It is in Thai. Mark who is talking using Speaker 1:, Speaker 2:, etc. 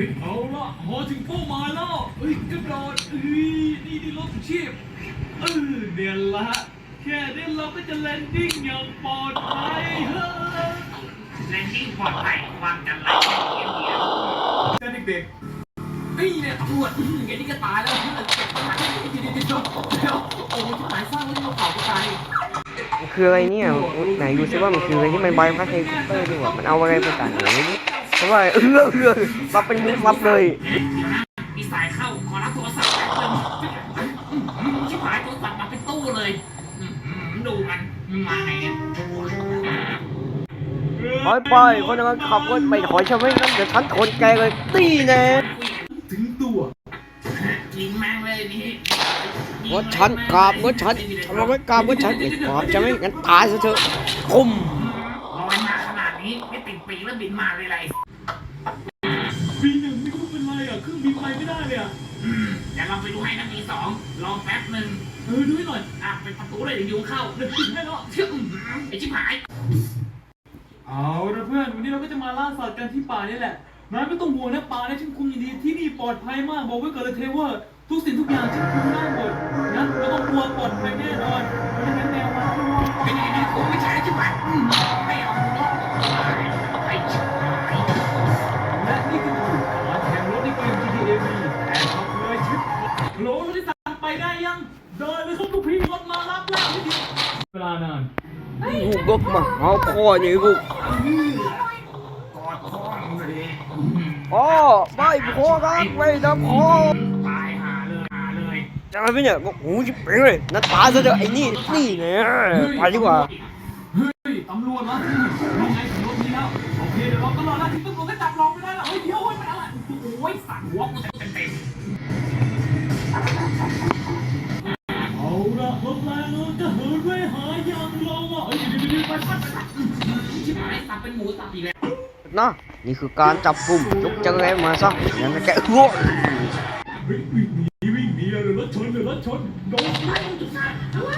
Speaker 1: ฮ้ยเอาละพอถึงเป้าหมายแล้วกระโดดนี่รถชีพเดี๋ยวละแค่นี้เราก็จะแลนดิ้งอย่างปลอดภัย
Speaker 2: แลนดิ้งปลอดภัยความกันไรแค่เดียว
Speaker 1: แต่เด็กๆเนี่ยตำรวจแกนี่ก็ตายแล้วเก็บมาให้เดี๋ยวโอ้ยที่หมายสร้างไว้ที่เราเผาก็ตาย
Speaker 3: คืออะไรเนี่ยไหนดูซิว่ามันคืออะไรที่มันใบพัดเฮลิคอปเตอร์ดีกว่ามันเอาอะไรไปกันหรือเพราะว่ารับเป็นมุกรับเลย
Speaker 2: มีสายเข้าขอรับโทรศัพท์ชิบหายโทรศัพท์มาเป็นตู้เลยดูมันมาไงเนี่ย
Speaker 3: ไปคนนั้นขับรถไปถอยใช่ไหมนั่นเดี๋ยวฉันทนแกเลยตีแน่
Speaker 1: ถึงตัว
Speaker 2: ยิงแม่งเลยนี่
Speaker 3: รถฉันกราบรถฉันทำไมกราบรถฉันอีกกราบจะไม่งั้นตายซะเถอะคุ้ม
Speaker 2: ลอยมาขนาดนี้ไม่ติดปีแล้วบินมาเลยไร
Speaker 1: ปีหนึ่งไม่รู้เป็นไรเครื่องบินไปไม่ได้เลย
Speaker 2: เดี๋ยวเราไปดูให้นะปีสองรอแป๊บหนึ่ง
Speaker 1: ดูให้หน่อย
Speaker 2: เป็นประตูเลยเดี๋ยวยุงเข้า
Speaker 1: เดี๋ยวปิดให้เนาะ
Speaker 2: ไอ้ชิบหาย
Speaker 1: เอาละเพื่อนวันนี้เราก็จะมาล่าสัตว์กันที่ป่านี่แหละนายไม่ต้องห่วงนะป่าเนี่ยฉันคุมอย่างดีที่นี่ปลอดภัยมากบอกไว้ก่อนเลยเทเวอร์ทุกสิ่งทุกอย่างฉันคุมได้หมดนะไม่ต้องกลัวปลอดภัยแน่นอนเพราะฉะนั้นแนวมาด้วย
Speaker 2: เป็นยังไงผมไม่ใช่ชิบหายไม่เอาไอ้ชิบหาย
Speaker 1: และนี่คือการแข่งรถในเกม GTA V แต่ขับเลยชิปโหลรถที่สั่งไปได้ยังเดินเลยครับลูกพี่รถมารับแล้วเวลานาน
Speaker 3: ลูกรถมาเอาพ่อนี่ลูก
Speaker 2: กอดพ่อเลย
Speaker 3: พ่อไม่พ่อรักไม่นะพ่อ
Speaker 2: ตายหาเลย
Speaker 3: จะไปเนี่ยบอกหูจะเป็นเลยนั่นตายซะเถอะไอ้นี่เนี่ยไปดีกว่า
Speaker 1: เฮ้ยตำรวจมาที่ยังไงถึงรถนี้แล้วโอเคเดี๋ยวเราตลอดแล้วที่ตำรวจก็จับเราไม่ได้แล้วเดี๋ยวมันอะไร
Speaker 2: โอ้ยสั่งหัวกูเต็ม
Speaker 1: เอาละรถแรงเราจะเหินไปหาอย่างเราเดี๋ยวไป
Speaker 2: ชิบหายสับเป็นหมูสับอีกแล้ว
Speaker 3: นะนี่คือการจับกลุ่มยกจังไรมาซะงั้นแกอ้วก
Speaker 1: วิ่งหนีเลยรถชนโดน